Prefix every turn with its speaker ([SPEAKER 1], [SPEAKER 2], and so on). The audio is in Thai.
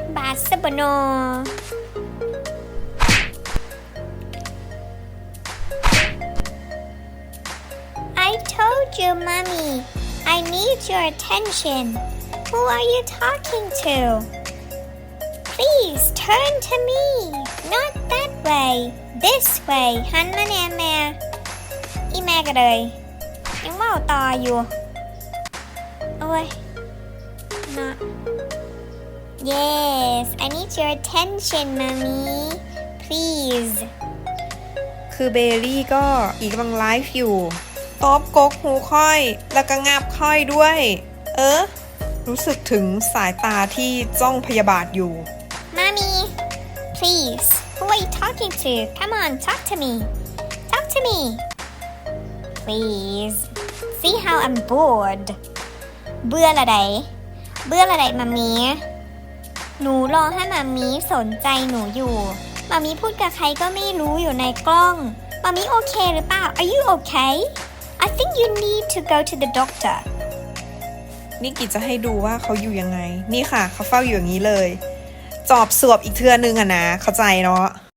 [SPEAKER 1] บาสบโน I told you, Mommy. I need your attention. Who are you talking to? Please turn to me. Not that way. This way. หันมาแน่แม่อีแม่ก็เลยยังเว่าต่ออยู่โอ้ย not Yes, I need your attention, Mommy. Please.
[SPEAKER 2] คือเบลลี่ก็อีกกำลังไลฟ์อยู่ตอบกกหูค่อยแล้วก็งับค่อยด้วย รู้สึกถึงสายตาที่จ้องพยาบาทอยู่
[SPEAKER 1] Mommy, please. Who are you talking to? Come on, talk to me. Talk to me. Please. See how I'm bored. เบื่อละไดมามีหนูรอให้มามีสนใจหนูอยู่มามีพูดกับใครก็ไม่รู้อยู่ในกล้องมามีโอเคหรือเปล่า Are you okay? I think you need to go to the doctor.
[SPEAKER 2] นี่กิจจะให้ดูว่าเขาอยู่ยังไงนี่ค่ะเขาเฝ้าอยู่อย่างนี้เลยจอบสวบอีกเทื่อนึงอะนะเข้าใจเนาะ